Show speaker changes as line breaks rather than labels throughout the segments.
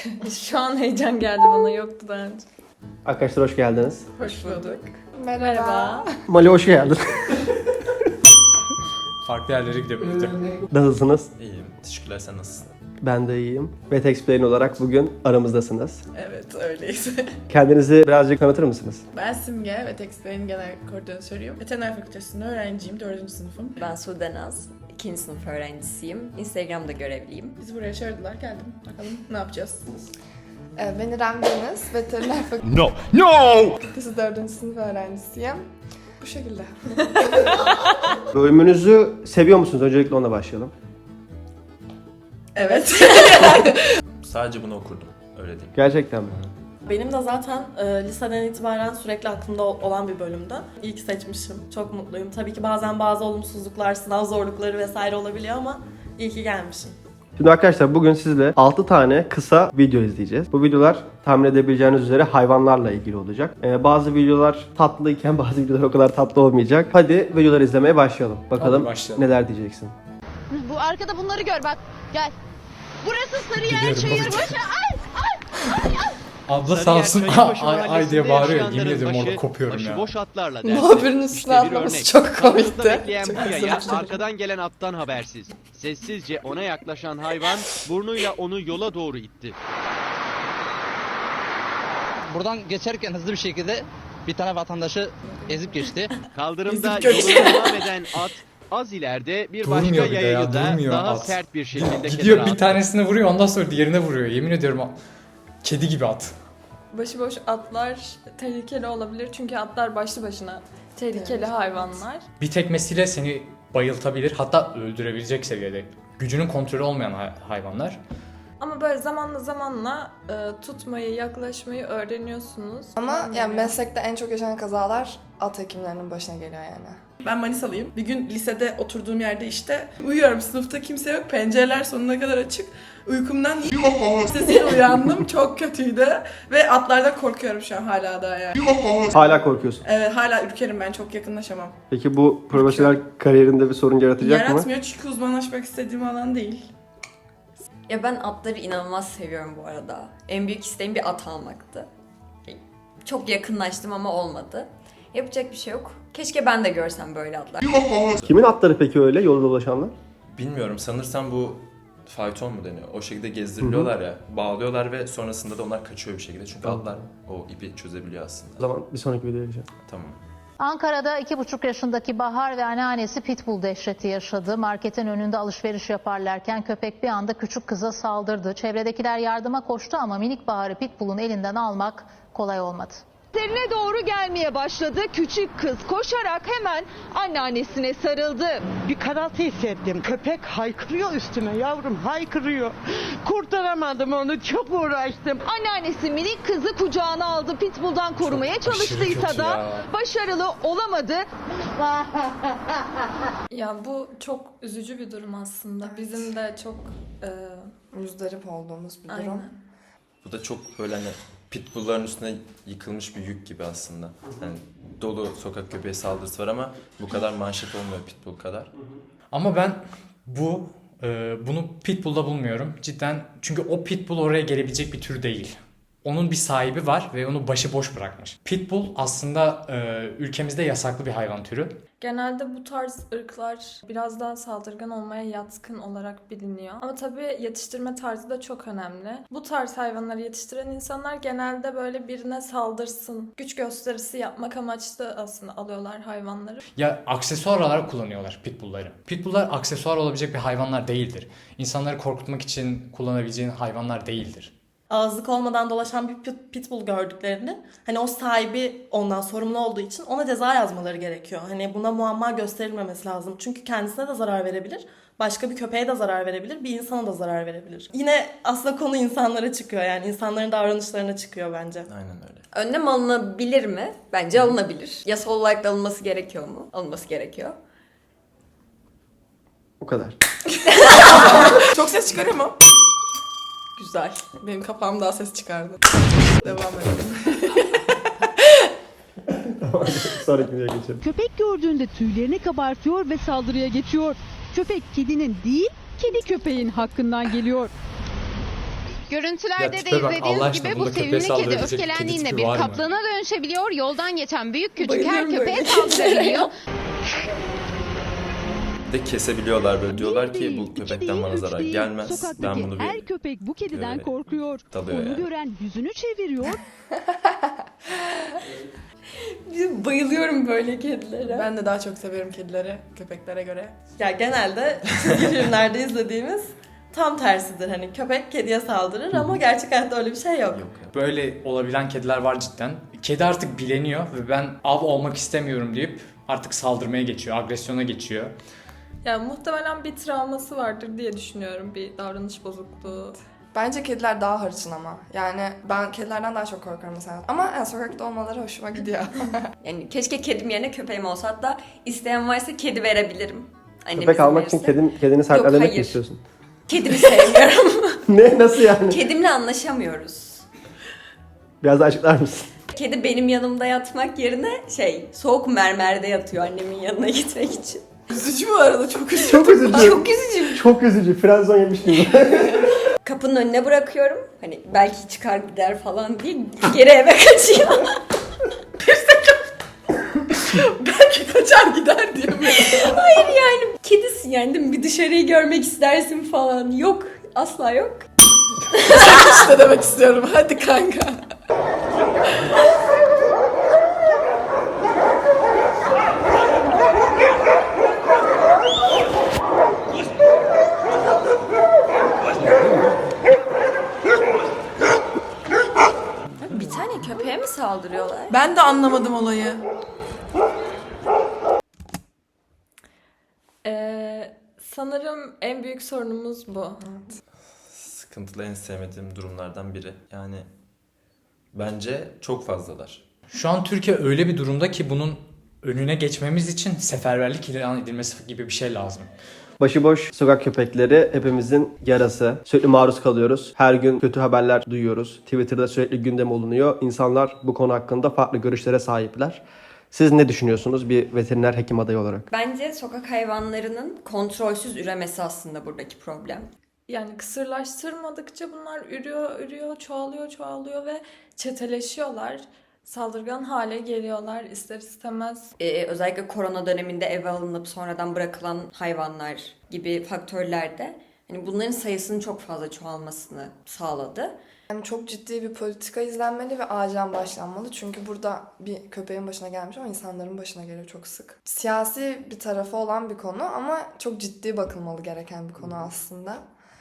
Şu an heyecan geldi bana, yoktu daha önce.
Arkadaşlar hoş geldiniz.
Hoş bulduk.
Merhaba.
Mali hoş geldin.
Farklı yerlere gidebilirdi.
Nasılsınız?
İyiyim. Teşekkürler. Sen nasılsın?
Ben de iyiyim. Ve Explain olarak bugün aramızdasınız.
Evet, öyleyiz.
Kendinizi birazcık tanıtır mısınız?
Ben Simge ve Explain'in genel koordinatörüyüm. Veteriner Fakültesi'nde öğrenciyim, 4. sınıfım.
Ben Sude Naz, 2. sınıf öğrencisiyim. Instagram'da görevliyim.
Bizi buraya çağırdılar, geldim. Bakalım ne yapacağız?
Ben İrem Deniz, Veteriner
No!
Fakültesi 4. sınıf öğrencisiyim. Bu şekilde.
Bölümünüzü seviyor musunuz? Öncelikle ona başlayalım.
Evet.
Sadece bunu okurdum. Öyle diyeyim.
Gerçekten mi?
Benim de zaten liseden itibaren sürekli aklımda olan bir bölümdü. İyi ki seçmişim. Çok mutluyum. Tabii ki bazen bazı olumsuzluklar, sınav zorlukları vesaire olabiliyor ama iyi ki gelmişim.
Şimdi arkadaşlar bugün sizle 6 tane kısa video izleyeceğiz. Bu videolar tahmin edebileceğiniz üzere hayvanlarla ilgili olacak. Bazı videolar tatlıyken bazı videolar o kadar tatlı olmayacak. Hadi videoları izlemeye başlayalım. Bakalım
başlayalım.
neler diyeceksin.
Bu arkada bunları gör bak. Gel. Burası Sarıyer
Biliyorum,
Çayırbaşı.
bakacağım.
Ay!
Abla sağ olsun ay diye bağırıyor. Yemin ediyorum orada kopuyorum ya.
Başıboş atlarla
Muhabirin üstüne atlaması çok komikti.
Bekleyen
Çok
bu yaya
özür dilerim.
arkadan gelen attan habersiz. Sessizce ona yaklaşan hayvan burnuyla onu yola doğru itti.
Buradan geçerken hızlı bir şekilde bir tane vatandaşı ezip geçti.
Kaldırımda
Ezip geçti.
yoluna devam eden at az ileride bir başka
Durmuyor bir de
yayayı
ya,
da
durmuyor
daha
at.
sert bir şekilde
Gidiyor
kenara
bir
attı.
tanesine vuruyor ondan sonra diğerine vuruyor. Yemin ediyorum kedi gibi at.
Başıboş atlar tehlikeli olabilir çünkü atlar başlı başına tehlikeli hayvanlar.
Bir tekmesiyle seni bayıltabilir, hatta öldürebilecek seviyede. Gücünün kontrolü olmayan hayvanlar.
Ama böyle zamanla tutmayı, yaklaşmayı öğreniyorsunuz.
Ama yani meslekte en çok yaşanan kazalar at hekimlerinin başına geliyor yani.
Ben Manisalıyım. Bir gün lisede oturduğum yerde işte uyuyorum. Sınıfta kimse yok. Pencereler sonuna kadar açık. Uykumdan sesiyle uyandım. Çok kötüydü. Ve atlardan korkuyorum şu an hala daha yani.
Hala korkuyorsun.
Evet, hala ürkerim ben. Çok yakınlaşamam.
Peki bu profesyonel kariyerinde bir sorun yaratacak mı?
Yaratmıyor çünkü uzmanlaşmak istediğim alan değil.
Ya ben atları inanılmaz seviyorum bu arada. En büyük isteğim bir at almaktı. Çok yakınlaştım ama olmadı. Yapacak bir şey yok. Keşke ben de görsem böyle atlar.
Kimin atları peki öyle yolda dolaşanlar?
Bilmiyorum. Sanırsam bu fayton mu deniyor? O şekilde gezdiriliyorlar ya. Bağlıyorlar ve sonrasında da onlar kaçıyor bir şekilde. Çünkü atlar o ipi çözebiliyor aslında.
O zaman bir sonraki videoya geçelim.
Tamam.
Ankara'da 2,5 yaşındaki Bahar ve anneannesi pitbull dehşeti yaşadı. Marketin önünde alışveriş yaparlarken köpek bir anda küçük kıza saldırdı. Çevredekiler yardıma koştu ama minik Bahar'ı pitbull'un elinden almak kolay olmadı.
Üzerine doğru gelmeye başladı. Küçük kız koşarak hemen anneannesine sarıldı.
Bir karaltı hissettim. Köpek haykırıyor üstüme yavrum, haykırıyor. Kurtaramadım onu, çok uğraştım.
Anneannesi minik kızı kucağına aldı. Pitbull'dan korumaya çalıştıysa
kötü
da
ya.
başarılı olamadı.
Ya bu çok üzücü bir durum aslında. Bizim de çok
Müzdarip olduğumuz bir durum.
aynen.
Bu da çok böyle hani pitbullların üstüne yıkılmış bir yük gibi aslında. Yani dolu sokak köpeği saldırısı var ama bu kadar manşet olmuyor pitbull kadar.
Ama ben bunu pitbull'da bulmuyorum. Cidden çünkü o pitbull oraya gelebilecek bir tür değil. Onun bir sahibi var ve onu başıboş bırakmış. Pitbull aslında ülkemizde yasaklı bir hayvan türü.
Genelde bu tarz ırklar biraz daha saldırgan olmaya yatkın olarak biliniyor. Ama tabii yetiştirme tarzı da çok önemli. Bu tarz hayvanları yetiştiren insanlar genelde böyle birine saldırsın, güç gösterisi yapmak amaçlı aslında alıyorlar hayvanları.
Ya aksesuar olarak kullanıyorlar pitbullları. Pitbulllar aksesuar olabilecek bir hayvanlar değildir. İnsanları korkutmak için kullanabileceğin hayvanlar değildir.
Ağızlık olmadan dolaşan bir pitbull gördüklerini, hani o sahibi ondan sorumlu olduğu için ona ceza yazmaları gerekiyor. Hani buna muamma gösterilmemesi lazım. Çünkü kendisine de zarar verebilir, başka bir köpeğe de zarar verebilir, bir insana da zarar verebilir. Yine aslında konu insanlara çıkıyor, yani insanların davranışlarına çıkıyor bence.
Aynen öyle.
Önlem alınabilir mi? Bence alınabilir. Yasal olarak da alınması gerekiyor mu? Alınması gerekiyor.
O kadar.
Çok ses çıkarıyor mu?
Güzel.
Benim kapağım daha ses çıkardı. Devam edelim.
Sonraki videoya geçelim.
Köpek gördüğünde tüylerini kabartıyor ve saldırıya geçiyor. Köpek kedinin değil, kedi köpeğin hakkından geliyor. Görüntülerde
Ya
de
tipe bak, Allah
izlediğiniz
aşkına,
gibi bu
bunda köpeğe
sevimli kedi
saldırabilecek bir kedi
öfkelendiğinde
tipi
bir
var mı?
kaplana dönüşebiliyor. Yoldan geçen büyük küçük her
Bayılıyorum
köpeğe
böyle
saldırabiliyor.
De kesebiliyorlar böyle, diyorlar ki bu köpekten bana zarar gelmez. Ben bunu bir
köpek bu
kediden korkuyor. Dalıyor yani.
gören yüzünü çeviriyor.
Bayılıyorum böyle kedilere.
Ben de daha çok seviyorum kedileri köpeklere göre.
Ya genelde çizgi filmlerde izlediğimiz tam tersidir. Hani köpek kediye saldırır ama gerçek hayatta öyle bir şey yok.
Yok ya.
Böyle olabilen kediler var cidden. Kedi artık bileniyor ve ben av olmak istemiyorum deyip artık saldırmaya geçiyor, agresyona geçiyor.
Yani muhtemelen bir travması vardır diye düşünüyorum. Bir davranış bozukluğu.
Bence kediler daha hırçın ama. Yani ben kedilerden daha çok korkarım mesela. Ama yani sokakta olmaları hoşuma gidiyor.
Yani keşke kedim yerine köpeğim olsa. Hatta isteyen varsa kedi verebilirim. Annem
Köpek
izin
almak için
verirse.
kedini sahiplenmek mi
hayır.
istiyorsun?
Kedimi sevmiyorum.
Ne? Nasıl yani?
Kedimle anlaşamıyoruz.
Biraz daha açıklar mısın?
Kedi benim yanımda yatmak yerine soğuk mermerde yatıyor annemin yanına gitmek için.
Üzücü bu arada, çok üzücü.
Çok üzücü.
Çok üzücü.
Çok üzücü. Frenzon yemiş gibi.
Kapının önüne bırakıyorum. Hani belki çıkar gider falan diye geri eve kaçıyor.
Belki kaçar gider diye mi?
Hayır yani kedisin yani değil mi? Bir dışarıyı görmek istersin falan. Yok. Asla yok.
İşte demek istiyorum. Hadi kanka.
Bir tane köpeğe mi saldırıyorlar?
Ben de anlamadım olayı.
Sanırım en büyük sorunumuz bu.
Sıkıntılı, en sevmediğim durumlardan biri. Yani bence çok fazlalar.
Şu an Türkiye öyle bir durumda ki bunun önüne geçmemiz için seferberlik ilan edilmesi gibi bir şey lazım.
Başıboş sokak köpekleri hepimizin yarası. Sürekli maruz kalıyoruz. Her gün kötü haberler duyuyoruz. Twitter'da sürekli gündem olunuyor. İnsanlar bu konu hakkında farklı görüşlere sahipler. Siz ne düşünüyorsunuz bir veteriner hekim adayı olarak?
Bence sokak hayvanlarının kontrolsüz üremesi aslında buradaki problem.
Yani kısırlaştırmadıkça bunlar ürüyor, çoğalıyor ve çeteleşiyorlar. Saldırgan hale geliyorlar ister istemez.
Özellikle korona döneminde eve alınıp sonradan bırakılan hayvanlar gibi faktörlerde hani bunların sayısının çok fazla çoğalmasını sağladı.
Yani çok ciddi bir politika izlenmeli ve acilen başlanmalı. Çünkü burada bir köpeğin başına gelmiş ama insanların başına geliyor çok sık. Siyasi bir tarafı olan bir konu ama çok ciddi bakılmalı gereken bir konu aslında.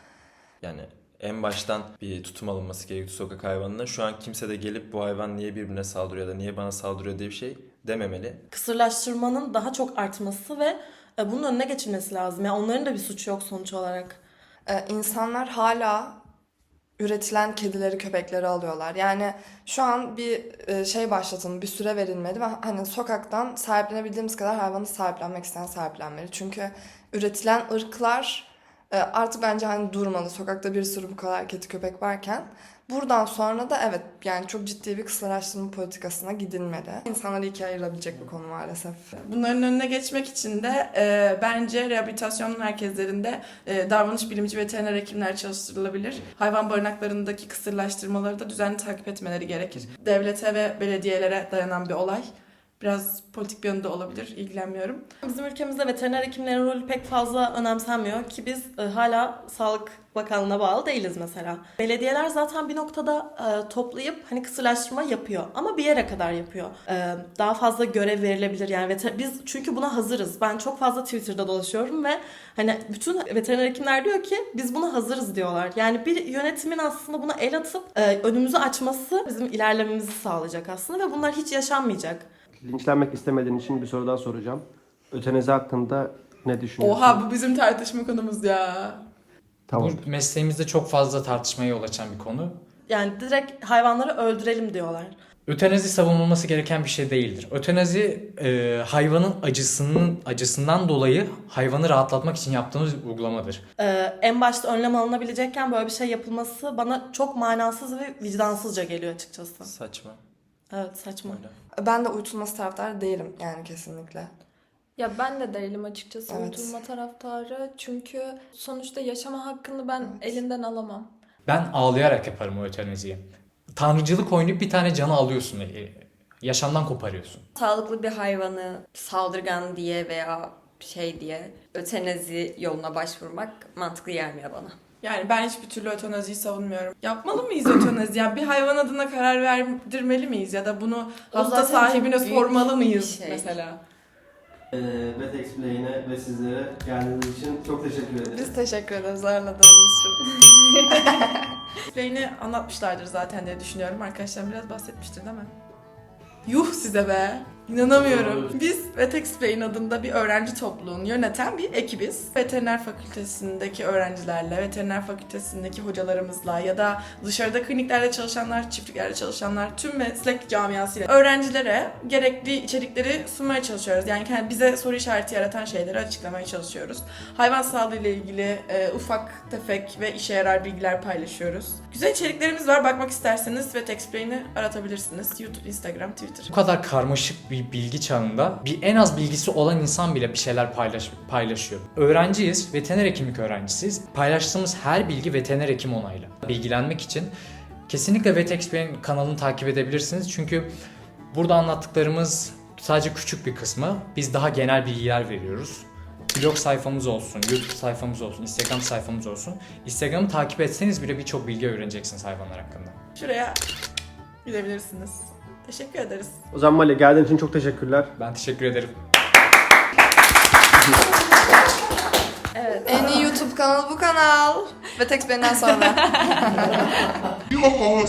Yani en baştan bir tutum alınması gerekiyor sokak hayvanına. Şu an kimse de gelip bu hayvan niye birbirine saldırıyor ya da niye bana saldırıyor diye bir şey dememeli.
Kısırlaştırmanın daha çok artması ve bunun önüne geçilmesi lazım. Yani onların da bir suçu yok sonuç olarak.
İnsanlar hala üretilen kedileri, köpekleri alıyorlar. Yani şu an bir şey başlatıldı, bir süre verilmedi ve hani sokaktan sahiplenebildiğimiz kadar hayvanı sahiplenmek isteyen sahiplenmeli. Çünkü üretilen ırklar artık bence hani durmalı. Sokakta bir sürü bu kadar kedi köpek varken. Buradan sonra da evet yani çok ciddi bir kısırlaştırma politikasına gidilmeli. İnsanları ikiye ayırabilecek bir konu maalesef.
Bunların önüne geçmek için de bence rehabilitasyon merkezlerinde davranış bilimci veteriner hekimler çalıştırılabilir. Hayvan barınaklarındaki kısırlaştırmaları da düzenli takip etmeleri gerekir. Devlete ve belediyelere dayanan bir olay. Biraz politik bir yönde olabilir, ilgilenmiyorum.
Bizim ülkemizde veteriner hekimlerin rolü pek fazla önemsenmiyor ki biz hala Sağlık Bakanlığı'na bağlı değiliz mesela. Belediyeler zaten bir noktada toplayıp hani kısırlaştırma yapıyor ama bir yere kadar yapıyor. Daha fazla görev verilebilir yani biz çünkü buna hazırız. Ben çok fazla Twitter'da dolaşıyorum ve hani bütün veteriner hekimler diyor ki biz buna hazırız diyorlar. Yani bir yönetimin aslında buna el atıp önümüzü açması bizim ilerlememizi sağlayacak aslında ve bunlar hiç yaşanmayacak.
Linçlenmek istemediğin için bir soru daha soracağım. Ötenazi hakkında ne düşünüyorsun?
Oha, bu bizim tartışma konumuz ya.
Tamam.
Bu mesleğimizde çok fazla tartışmaya yol açan bir konu.
Yani direkt hayvanları öldürelim diyorlar.
Ötenazi savunulması gereken bir şey değildir. Ötenazi hayvanın acısından dolayı hayvanı rahatlatmak için yaptığımız bir uygulamadır.
En başta önlem alınabilecekken böyle bir şey yapılması bana çok manasız ve vicdansızca geliyor açıkçası.
Saçma.
Evet, saçma.
Öyle.
Ben de uyutulması taraftarı değilim yani kesinlikle.
Ya ben de değilim açıkçası
Evet.
uyutulma taraftarı. Çünkü sonuçta yaşama hakkını ben elinden alamam.
Ben ağlayarak yaparım o ötenaziyi. Tanrıcılık oynayıp bir tane canı alıyorsun. Yaşamdan koparıyorsun.
Sağlıklı bir hayvanı saldırgan diye veya şey diye ötenazi yoluna başvurmak mantıklı gelmiyor bana.
Yani ben hiçbir türlü ötenaziyi savunmuyorum. Yapmalı mıyız ötenazi? Yani bir hayvan adına karar verdirmeli miyiz? Ya da bunu
O
hasta
zaten
sahibine
çok büyük
sormalı mıyız
bir şey.
mesela?
Vet Explain'e ve sizlere geldiğiniz için çok teşekkür ederiz.
Biz teşekkür ederiz ağırladığınız için.
Explain'i anlatmışlardır zaten diye düşünüyorum. Arkadaşlarım biraz bahsetmiştir değil mi? Yuh size be! İnanamıyorum. Biz Vet Explain adında bir öğrenci topluluğunu yöneten bir ekibiz. Veteriner fakültesindeki öğrencilerle, veteriner fakültesindeki hocalarımızla ya da dışarıda kliniklerde çalışanlar, çiftliklerde çalışanlar, tüm meslek camiasıyla öğrencilere gerekli içerikleri sunmaya çalışıyoruz. Yani bize soru işareti yaratan şeyleri açıklamaya çalışıyoruz. Hayvan sağlığı ile ilgili ufak tefek ve işe yarar bilgiler paylaşıyoruz. Güzel içeriklerimiz var. Bakmak isterseniz Vet Explain'i aratabilirsiniz. YouTube, Instagram, Twitter.
Bu kadar karmaşık bir bilgi çağında en az bilgisi olan insan bile bir şeyler paylaşıyor. Öğrenciyiz, veteriner hekimlik öğrencisiyiz. Paylaştığımız her bilgi veteriner hekim onaylı. Bilgilenmek için kesinlikle Vet Explain kanalını takip edebilirsiniz. Çünkü burada anlattıklarımız sadece küçük bir kısmı. Biz daha genel bilgiler veriyoruz. Blog sayfamız olsun, YouTube sayfamız olsun, Instagram sayfamız olsun. Instagram'ı takip etseniz bile birçok bilgi öğreneceksiniz hayvanlar hakkında.
Şuraya gidebilirsiniz. Teşekkür ederiz.
O zaman Mali geldiğin için çok teşekkürler.
Ben teşekkür ederim.
Evet. En iyi YouTube kanalı bu kanal. Ve tek benden sonra.